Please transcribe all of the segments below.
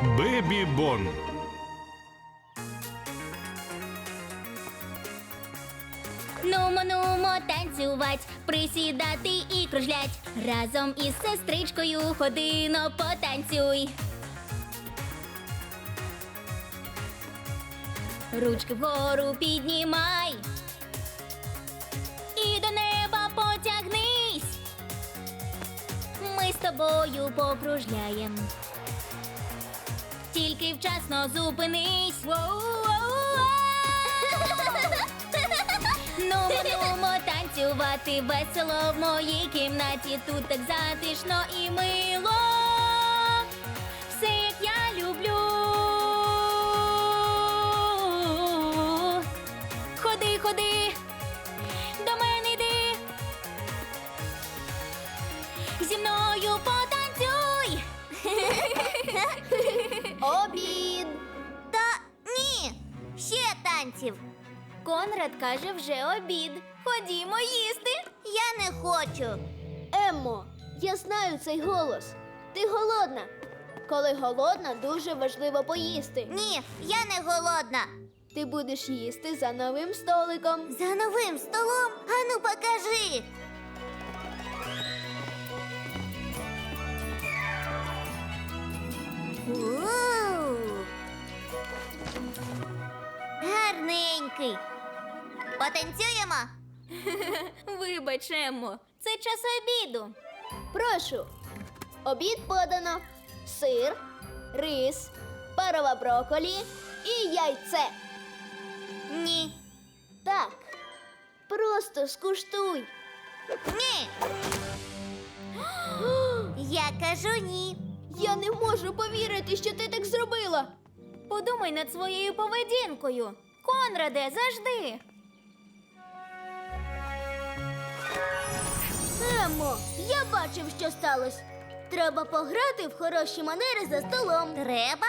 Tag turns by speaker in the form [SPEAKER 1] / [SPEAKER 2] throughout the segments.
[SPEAKER 1] Бебі Бон.
[SPEAKER 2] Нумо танцювать, присідати і кружлять. Разом із сестричкою ходино потанцюй. Ручки вгору піднімай і до неба потягнись. Ми з тобою покружляєм. Тільки вчасно зупинись. Нумо танцювати весело в моїй кімнаті. Тут так затишно і мило. Все, як я люблю. Ходи, ходи, до мене йди. Зі мною потанцюй.
[SPEAKER 3] Обід! Та ні, ще танців.
[SPEAKER 2] Конрад каже, вже обід. Ходімо їсти.
[SPEAKER 3] Я не хочу.
[SPEAKER 4] Еммо, я знаю цей голос. Ти голодна. Коли голодна, дуже важливо поїсти.
[SPEAKER 3] Ні, я не голодна.
[SPEAKER 4] Ти будеш їсти за новим столиком.
[SPEAKER 3] За новим столом? Ану, покажи. У-у-у. Гарненький. Потанцюємо?
[SPEAKER 2] Вибач, Еммо, це час обіду.
[SPEAKER 4] Прошу. Обід подано. Сир, рис, парова брокколі і яйце.
[SPEAKER 3] Ні.
[SPEAKER 4] Так. Просто скуштуй.
[SPEAKER 3] Ні. Я кажу ні.
[SPEAKER 4] Я не можу повірити, що ти так зробила.
[SPEAKER 2] Подумай над своєю поведінкою. Конраде, завжди.
[SPEAKER 4] Еммо, я бачив, що сталося. Треба пограти в хороші манери за столом.
[SPEAKER 3] Треба?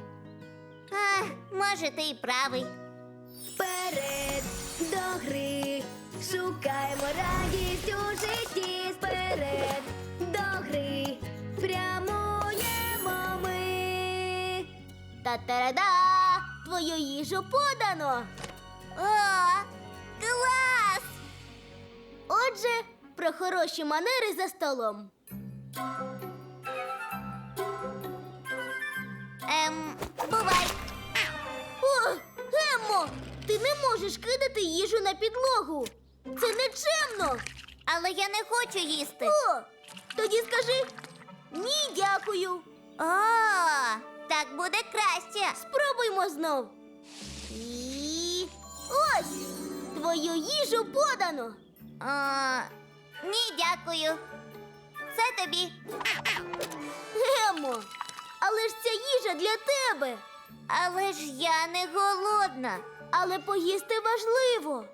[SPEAKER 3] Може, ти й правий.
[SPEAKER 4] Вперед до гри, шукаємо радість у житті. Вперед до гри, прямуємо ми. Та-та-ра-да! Твою їжу подано.
[SPEAKER 3] О, клас!
[SPEAKER 4] Отже, про хороші манери за столом.
[SPEAKER 3] Бувай.
[SPEAKER 4] О, Еммо, ти не можеш кидати їжу на підлогу. Це нечемно.
[SPEAKER 3] Але я не хочу їсти.
[SPEAKER 4] О, тоді скажи ні, дякую.
[SPEAKER 3] О, так буде краще.
[SPEAKER 4] Спробуймо знов.
[SPEAKER 3] І...
[SPEAKER 4] Ось, твою їжу подано.
[SPEAKER 3] Ні, дякую. Це тобі.
[SPEAKER 4] Еммо, але ж ця їжа для тебе.
[SPEAKER 3] Але ж я не голодна.
[SPEAKER 4] Але поїсти важливо.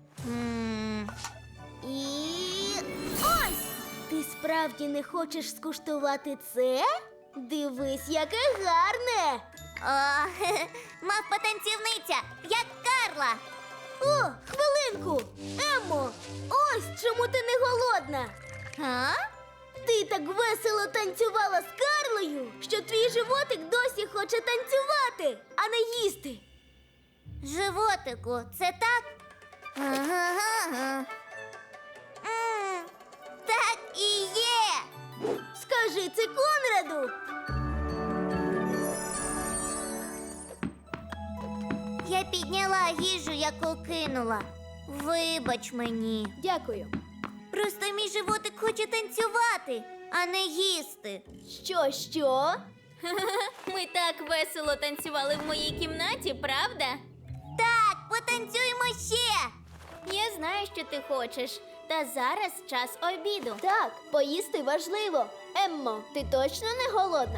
[SPEAKER 3] І...
[SPEAKER 4] Ось! Ти справді не хочеш скуштувати це? Дивись, яке гарне!
[SPEAKER 3] О, мавпа-танцівниця, як Карла.
[SPEAKER 4] О, хвилинку! Еммо, ось чому ти не голодна.
[SPEAKER 3] А?
[SPEAKER 4] Ти так весело танцювала з Карлою, що твій животик досі хоче танцювати, а не їсти.
[SPEAKER 3] Животику, це так? Ага. Так і є.
[SPEAKER 4] Скажи це Конраду.
[SPEAKER 3] Я підняла їжу, яку кинула. Вибач мені.
[SPEAKER 4] Дякую.
[SPEAKER 3] Просто мій животик хоче танцювати, а не їсти.
[SPEAKER 4] Що?
[SPEAKER 2] Ми так весело танцювали в моїй кімнаті, правда?
[SPEAKER 3] Так, потанцюємо ще.
[SPEAKER 2] Я знаю, що ти хочеш. Та зараз час обіду.
[SPEAKER 4] Так, поїсти важливо. Еммо, ти точно не голодна?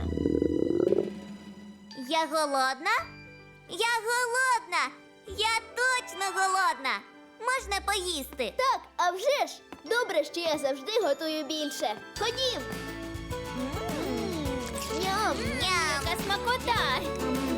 [SPEAKER 3] Я голодна? Я голодна! Я точно голодна! Можна поїсти?
[SPEAKER 4] Так, а вже ж. Добре, що я завжди готую більше. Ходім. Ням.
[SPEAKER 3] Ням!
[SPEAKER 2] Яка смакота!